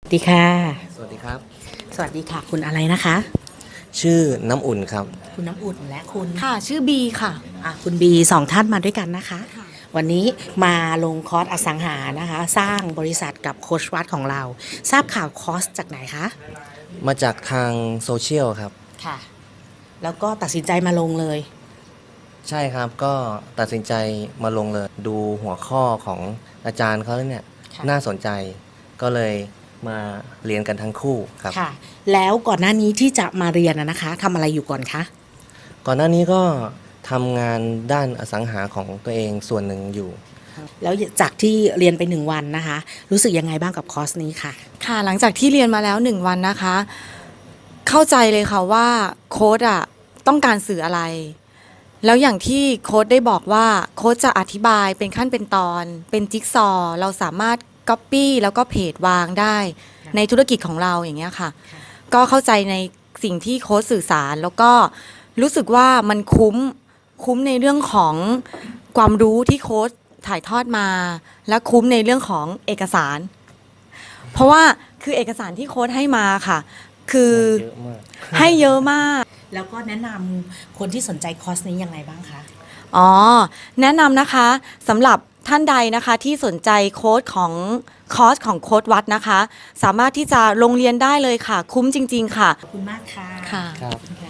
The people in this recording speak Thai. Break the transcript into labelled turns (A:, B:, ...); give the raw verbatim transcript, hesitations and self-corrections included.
A: สวัสดีค่ะ
B: สวัสดีครับ
A: สวัสดีค่ะคุณอะไรนะคะ
B: ชื่อน้ำอุ่นครับ
A: คุณน้ำอุ่นและคุณ
C: ค่ะชื่อบีค่ะ
A: อ่ะคุณบีสองท่านมาด้วยกันนะคะ วันนี้มาลงคอร์สอสังหานะคะ สร้างบริษัทกับโค้ชวัดของเรา ทราบข่าวคอร์สจากไหนคะ
B: มาจากทางโซเชียลครับ
A: ค่ะ แล้วก็ตัดสินใจมาลงเลย
B: ใช่ครับก็ตัดสินใจมาลงเลยดูหัวข้อของอาจารย์เขาแล้วเนี่ย
A: ค่ะ
B: น่าสนใจก็เลยมาเรียนกันทั้งคู่ครับ
A: ค่ะ แล้วก่อนหน้านี้ที่จะมาเรียนนะนะคะทำอะไรอยู่ก่อนคะ
B: ก่อนหน้านี้ก็ทำงานด้านอสังหาของตัวเองส่วนหนึ่งอยู่
A: แล้วจากที่เรียนไปหนึ่งวันนะคะ รู้สึกยังไงบ้างกับคอร์สนี้ค่ะ
C: ค่ะหลังจากที่เรียนมาแล้วหนึ่งวันนะคะ เข้าใจเลยค่ะว่าโค้ดอ่ะต้องการสื่ออะไร แล้วอย่างที่โค้ดได้บอกว่าโค้ดจะอธิบายเป็นขั้นเป็นตอน เป็นจิ๊กซอว์เราสามารถก๊อปปี้แล้วก็เพจวางได้ในธุรกิจของเราอย่างเงี้ยค่ะ ก็เข้าใจในสิ่งที่โค้ดสื่อสารแล้วก็รู้สึกว่ามันคุ้มคุ้มในเรื่องของความรู้ที่โค้ดถ่ายทอดมา และคุ้มในเรื่องของเอกสาร เพราะว่าคือเอกสารที่โค้ดให้มาค่ะ คือ
B: เยอะมาก
C: ให้เยอะมาก
A: แล้วก็แนะนำคนที่สนใจคอร์สนี้ยังไงบ้างคะ
C: อ๋อ แนะนำนะคะสำหรับท่านใดนะคะที่สนใจโค้ดของคอร์สของโค้ดวัดนะคะ สามารถที่จะลงเรียนได้เลยค่ะ คุ้มจริง ๆ ค่ะ
A: ขอบคุณมากค่ะ
C: ค่ะ
B: ครับ
A: ขอบคุณค่ะ